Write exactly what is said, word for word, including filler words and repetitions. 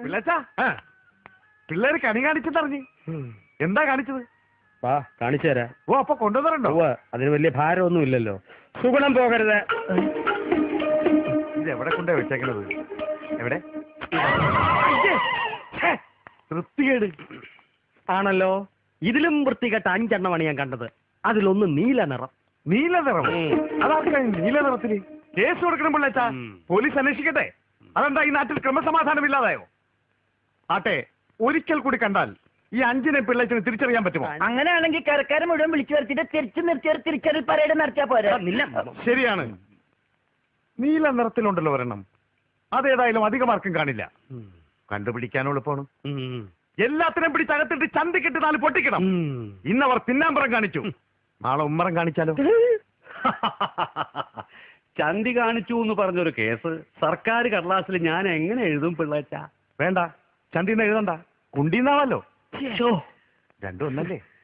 പിള്ളേര് കണി കാണിച്ചെന്നറിഞ്ഞ് എന്താ കാണിച്ചത്? വാ കാണിച്ചു തരാം. ഓ അപ്പൊ കൊണ്ടുവന്നിട്ടുണ്ടോ? അതിന് വലിയ ഭാരമൊന്നും ഇല്ലല്ലോ. സുഗുണം പോകരുത്. ഇത് എവിടെ കൊണ്ടേ വെച്ചേക്കണത്? എവിടെ? വൃത്തികേട് ആണല്ലോ. ഇതിലും വൃത്തികെട്ട അഞ്ചെണ്ണമാണ് ഞാൻ കണ്ടത്. അതിലൊന്ന് നീല നിറം. നീല നിറം? അതാർക്കാണ് നീല നിറത്തില്? കേസ് കൊടുക്കണം പിള്ളേച്ചാ. പോലീസ് അന്വേഷിക്കട്ടെ. അതെന്താ ഈ നാട്ടിൽ ക്രമസമാധാനം ഇല്ലാതായോ? ആട്ടെ, ഒരിക്കൽ കൂടി കണ്ടാൽ ഈ അഞ്ചിനെ പിള്ളേച്ചിനെ തിരിച്ചറിയാൻ പറ്റുമോ? അങ്ങനെയാണെങ്കിൽ കരക്കാരെ മുഴുവൻ വിളിച്ചു വരുത്തിട്ട് തിരിച്ചു നിർത്തിയ തിരിച്ചറിൽ പരേഡ് നടത്തിയാ പോരാ. ശരിയാണ്. നീല നിറത്തിലുണ്ടല്ലോ ഒരെണ്ണം. അതേതായാലും അധികമാർക്കും കാണില്ല. കണ്ടുപിടിക്കാനും എളുപ്പമാണ്. എല്ലാത്തിനും പിടിച്ചകത്തിട്ട് ചന്തിക്കിട്ട് നാല് പൊട്ടിക്കണം. ഇന്നവർ പിന്നാമ്പറം കാണിച്ചു, നാളെ ഉമ്മറം കാണിച്ചാലോ? ചന്തി കാണിച്ചു എന്ന് പറഞ്ഞൊരു കേസ് സർക്കാർ കടലാസിൽ ഞാൻ എങ്ങനെ എഴുതും പിള്ളേച്ച? വേണ്ട, ചന്തിന്ന് എഴുതണ്ട, കുണ്ടിന്നാവല്ലോ. രണ്ടും ഒന്നല്ലേ?